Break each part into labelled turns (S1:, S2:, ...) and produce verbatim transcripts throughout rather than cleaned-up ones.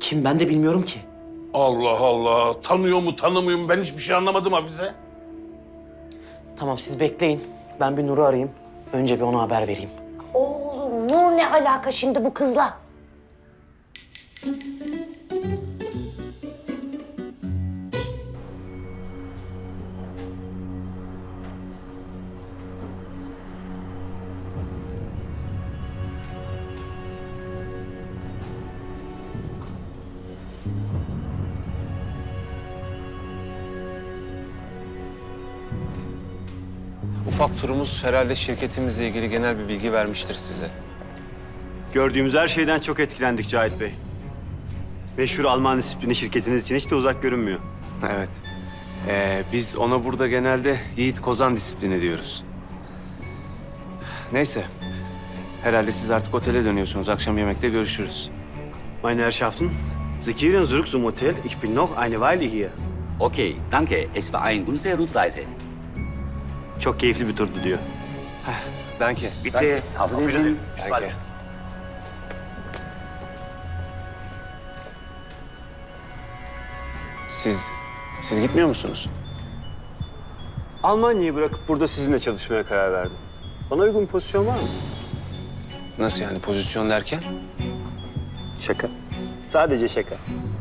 S1: kim ben de bilmiyorum ki.
S2: Allah Allah. Tanıyor mu tanımıyor mu ben hiçbir şey anlamadım Hafize.
S1: Tamam siz bekleyin. Ben bir Nur'u arayayım. Önce bir ona haber vereyim.
S3: Oğlum Nur ne alaka şimdi bu kızla?
S4: Ufak turumuz herhalde şirketimizle ilgili genel bir bilgi vermiştir size.
S5: Gördüğümüz her şeyden çok etkilendik Cahit Bey. Meşhur Alman disiplini şirketiniz için hiç de uzak görünmüyor.
S4: Evet. Ee, biz ona burada genelde Yiğit Kozan disiplini diyoruz. Neyse. Herhalde siz artık otele dönüyorsunuz. Akşam yemekte görüşürüz.
S5: Meine Herrschaften, Sie kehren zurück zum Hotel. Ich bin noch eine Weile hier.
S6: Okay, danke. Es war eine gute Rundreise.
S5: Çok keyifli bir turdu diyor.
S4: Danke.
S6: Bitte, auf Wiedersehen.
S4: Danke. Siz, siz gitmiyor musunuz?
S5: Almanya'yı bırakıp burada sizinle çalışmaya karar verdim. Bana uygun bir pozisyon var mı?
S4: Nasıl yani pozisyon derken?
S5: Şaka. Sadece şaka.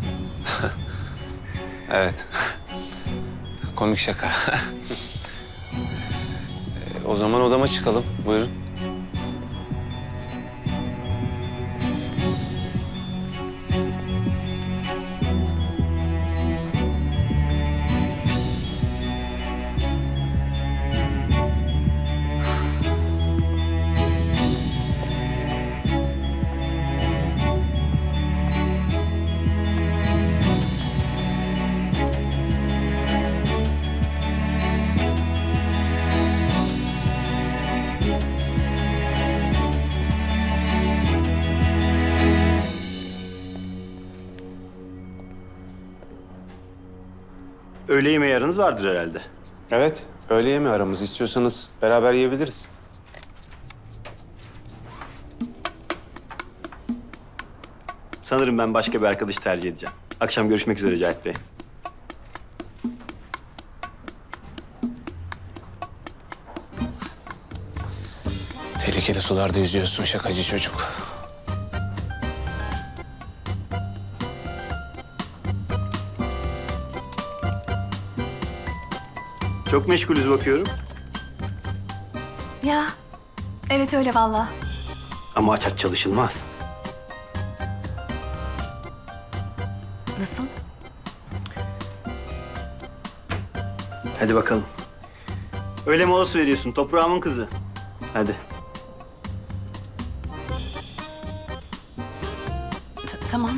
S4: Evet. Komik şaka. Ee, o zaman odama çıkalım. Buyurun.
S5: Öğle yemeği aranız vardır herhalde.
S4: Evet. Öğle yemeği aramız. İstiyorsanız beraber yiyebiliriz.
S5: Sanırım ben başka bir arkadaş tercih edeceğim. Akşam görüşmek üzere Cahit Bey.
S4: Tehlikeli sularda yüzüyorsun şakacı çocuk.
S5: Çok meşgulüz bakıyorum.
S7: Ya, evet öyle vallahi.
S5: Ama aç aç çalışılmaz.
S7: Nasıl?
S5: Hadi bakalım. Öğle molası veriyorsun toprağımın kızı. Hadi.
S7: T- tamam.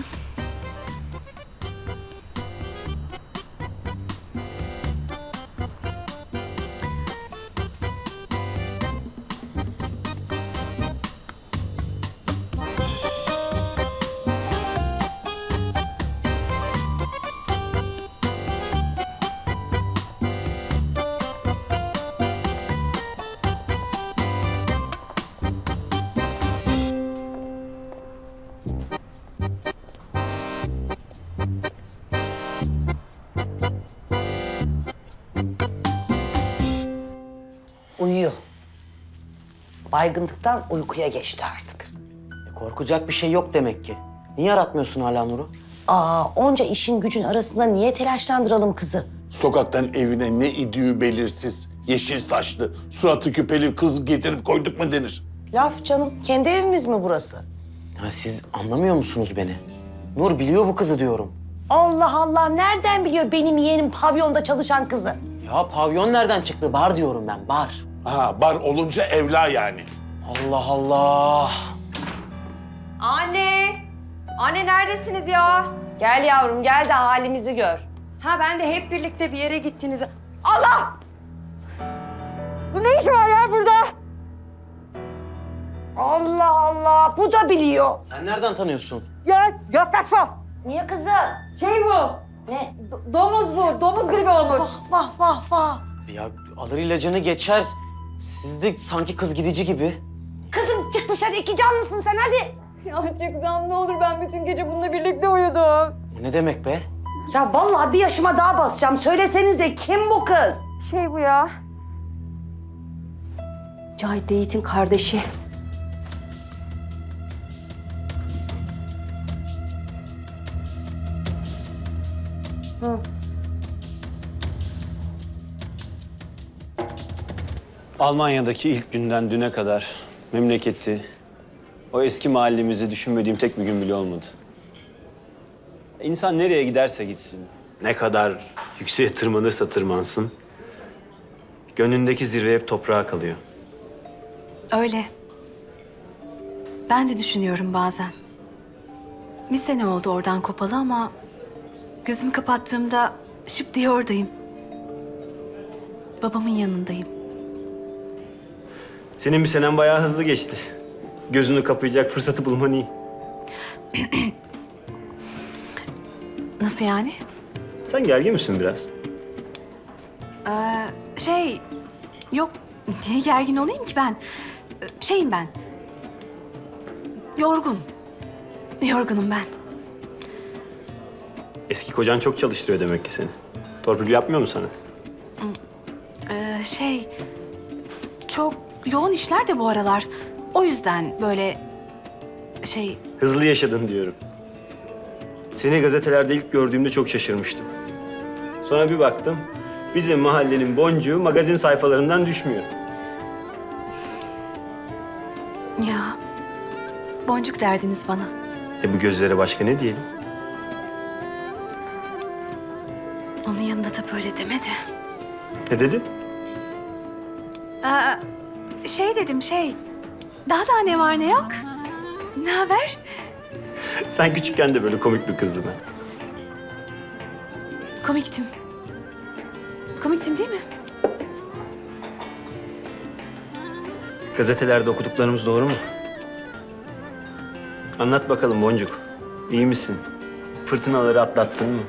S3: Uyuyor. Baygınlıktan uykuya geçti artık.
S1: E, korkacak bir şey yok demek ki. Niye aratmıyorsun hala Nur'u?
S3: Aa, onca işin gücün arasında niye telaşlandıralım kızı?
S2: Sokaktan evine ne idüğü belirsiz, yeşil saçlı, suratı küpeli kız getirip koyduk mu denir.
S3: Laf canım, kendi evimiz mi burası?
S1: Ya siz anlamıyor musunuz beni? Nur biliyor bu kızı diyorum.
S3: Allah Allah, nereden biliyor benim yeğenim pavyonda çalışan kızı?
S1: Ya pavyon nereden çıktı? Bar diyorum ben, bar.
S2: Ha bar olunca evla yani.
S1: Allah Allah.
S8: Anne! Anne neredesiniz ya?
S3: Gel yavrum, gel de halimizi gör.
S8: Ha ben de hep birlikte bir yere gittiniz. Allah! Bu ne iş var ya burada?
S3: Allah Allah, bu da biliyor.
S1: Sen nereden tanıyorsun?
S8: Ya yaklaşma.
S3: Niye kızım?
S8: Şey bu.
S3: Ne?
S8: do- domuz bu. Domuz gribi olmuş.
S3: Vah vah vah vah.
S1: Ya alır ilacını geçer. Siz de sanki kız gidici gibi.
S3: Kızım çık dışarı, iki canlısın sen hadi.
S8: Ya çıksam ne olur, ben bütün gece bununla birlikte uyudum.
S1: Ne demek be?
S3: Ya vallahi bir yaşıma daha basacağım. Söylesenize kim bu kız?
S8: Şey bu ya.
S3: Cahit Yiğit'in kardeşi.
S5: Almanya'daki ilk günden düne kadar memleketi, o eski mahallemizi düşünmediğim tek bir gün bile olmadı. İnsan nereye giderse gitsin, ne kadar yükseğe tırmanırsa tırmansın, gönlündeki zirve hep toprağa kalıyor.
S7: Öyle. Ben de düşünüyorum bazen. Bir sene oldu oradan kopalı ama gözümü kapattığımda şıp diye oradayım. Babamın yanındayım.
S5: Senin bir senen bayağı hızlı geçti. Gözünü kapayacak fırsatı bulman iyi.
S7: Nasıl yani?
S5: Sen gergin misin biraz?
S7: Ee, şey, yok. Niye gergin olayım ki ben? Ee, Şeyim ben. Yorgun. Yorgunum ben.
S5: Eski kocan çok çalıştırıyor demek ki seni. Torpil yapmıyor mu sana?
S7: Ee, şey, çok yoğun işler de bu aralar. O yüzden böyle şey...
S5: Hızlı yaşadın diyorum. Seni gazetelerde ilk gördüğümde çok şaşırmıştım. Sonra bir baktım, bizim mahallenin boncuğu magazin sayfalarından düşmüyor.
S7: Ya, boncuk derdiniz bana.
S5: E bu gözlere başka ne diyelim?
S7: Onun yanında da böyle demedi.
S5: Ne dedi?
S7: Aa, şey dedim şey, daha da ne var ne yok. Ne haber?
S5: Sen küçükken de böyle komik bir kızdın ha.
S7: Komiktim. Komiktim değil mi?
S5: Gazetelerde okuduklarımız doğru mu? Anlat bakalım Boncuk. İyi misin? Fırtınaları atlattın mı?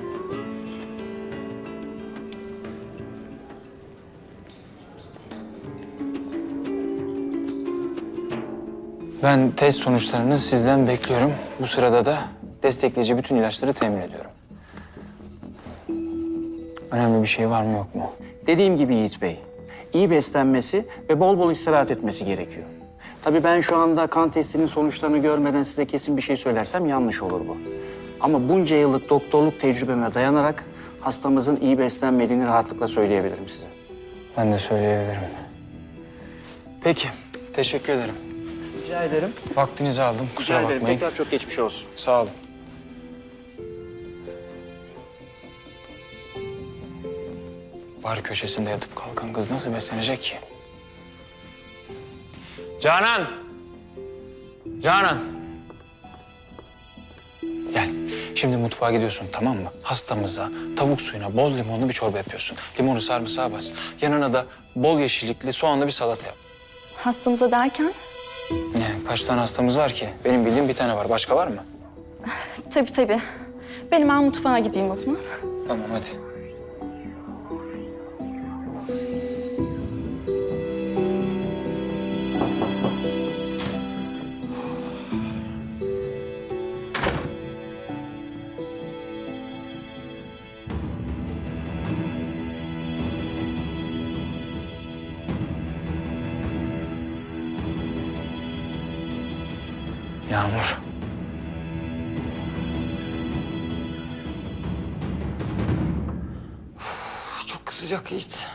S9: Ben test sonuçlarını sizden bekliyorum. Bu sırada da destekleyici bütün ilaçları temin ediyorum. Önemli bir şey var mı yok mu?
S1: Dediğim gibi Yiğit Bey, iyi beslenmesi ve bol bol istirahat etmesi gerekiyor. Tabii ben şu anda kan testinin sonuçlarını görmeden size kesin bir şey söylersem yanlış olur bu. Ama bunca yıllık doktorluk tecrübeme dayanarak hastamızın iyi beslenmediğini rahatlıkla söyleyebilirim size.
S9: Ben de söyleyebilirim. Peki, teşekkür ederim.
S1: Rica ederim.
S9: Vaktinizi aldım, kusura
S1: Rica ederim.
S9: bakmayın.
S1: Tekrar çok geçmiş olsun.
S9: Sağ olun. Bar köşesinde yatıp kalkan kız nasıl beslenecek ki? Canan! Canan! Gel. Şimdi mutfağa gidiyorsun, tamam mı? Hastamıza tavuk suyuna bol limonlu bir çorba yapıyorsun. Limonu sarımsağa bas. Yanına da bol yeşillikli soğanlı bir salata yap.
S10: Hastamıza derken?
S9: Yani kaç tane hastamız var ki? Benim bildiğim bir tane var. Başka var mı?
S10: Tabii tabii. Benim ben mutfağa gideyim o zaman.
S9: Tamam, hadi. Yağmur.
S11: Çok kızacak Yiğit.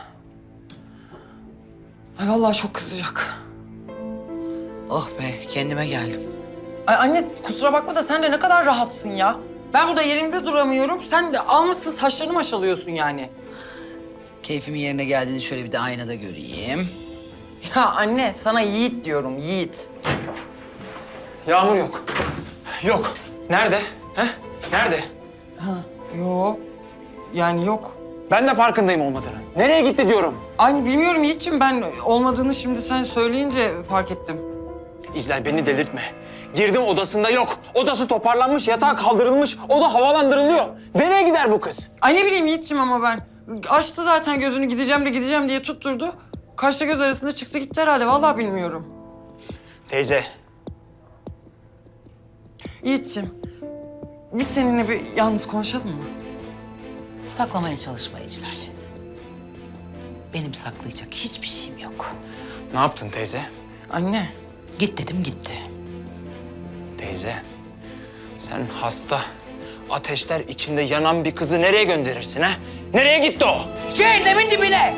S11: Ay vallahi çok kızacak.
S1: Oh be, kendime geldim.
S11: Ay anne kusura bakma da sen de ne kadar rahatsın ya. Ben burada yerimde duramıyorum. Sen de almışsın saçlarını maşalıyorsun yani.
S1: Keyfimin yerine geldiğini şöyle bir de aynada göreyim.
S11: Ya anne sana Yiğit diyorum Yiğit.
S9: Yağmur yok. Yok. Nerede? He? Nerede?
S11: Ha, yok. Yani yok.
S9: Ben de farkındayım olmadığını. Nereye gitti diyorum.
S11: Ay bilmiyorum Yiğit'ciğim, ben olmadığını şimdi sen söyleyince fark ettim.
S9: İclal, beni delirtme. Girdim, odasında yok. Odası toparlanmış, yatağı kaldırılmış. Oda havalandırılıyor. Nereye gider bu kız?
S11: Ay ne bileyim Yiğit'ciğim ama ben. Açtı zaten gözünü, gideceğim de gideceğim diye tutturdu. Kaşla göz arasında çıktı gitti herhalde, vallahi bilmiyorum.
S9: Teyze.
S11: Yiğit'ciğim, biz seninle bir yalnız konuşalım mı?
S12: Saklamaya çalışma Eclal. Benim saklayacak hiçbir şeyim yok.
S9: Ne yaptın teyze?
S11: Anne.
S12: Git dedim gitti.
S9: Teyze, sen hasta, ateşler içinde yanan bir kızı nereye gönderirsin ha? Nereye gitti o?
S12: Cehennemin dibine!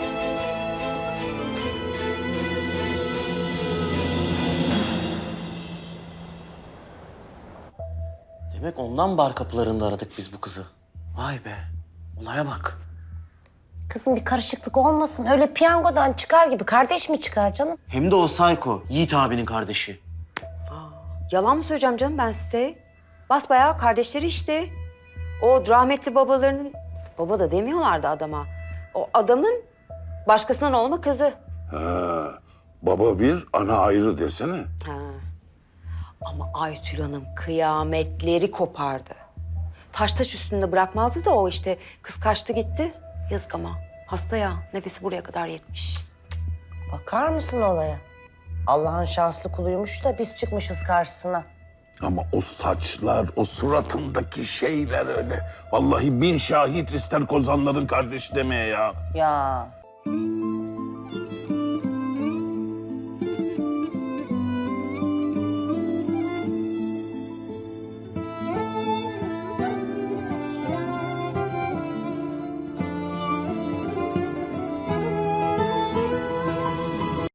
S1: Demek ondan bar kapılarında aradık biz bu kızı. Vay be, olaya bak.
S3: Kızım bir karışıklık olmasın. Öyle piyangodan çıkar gibi kardeş mi çıkar canım?
S1: Hem de o Sayko, Yiğit abinin kardeşi.
S8: Yalan mı söyleyeceğim canım ben size? Basbayağı kardeşleri işte. O rahmetli babalarının... Baba da demiyorlardı adama. O adamın başkasından olma kızı.
S2: Ha, baba bir, ana ayrı desene.
S8: Ha. Ama Aytül Hanım kıyametleri kopardı. Taş taş üstünde bırakmazdı da o işte. Kız kaçtı gitti. Yazık ama. Hasta ya. Nefesi buraya kadar yetmiş.
S3: Bakar mısın olaya? Allah'ın şanslı kuluymuş da biz çıkmışız karşısına.
S2: Ama o saçlar, o suratındaki şeyler öyle. Vallahi bin şahit ister kozanların kardeşi demeye ya.
S3: Ya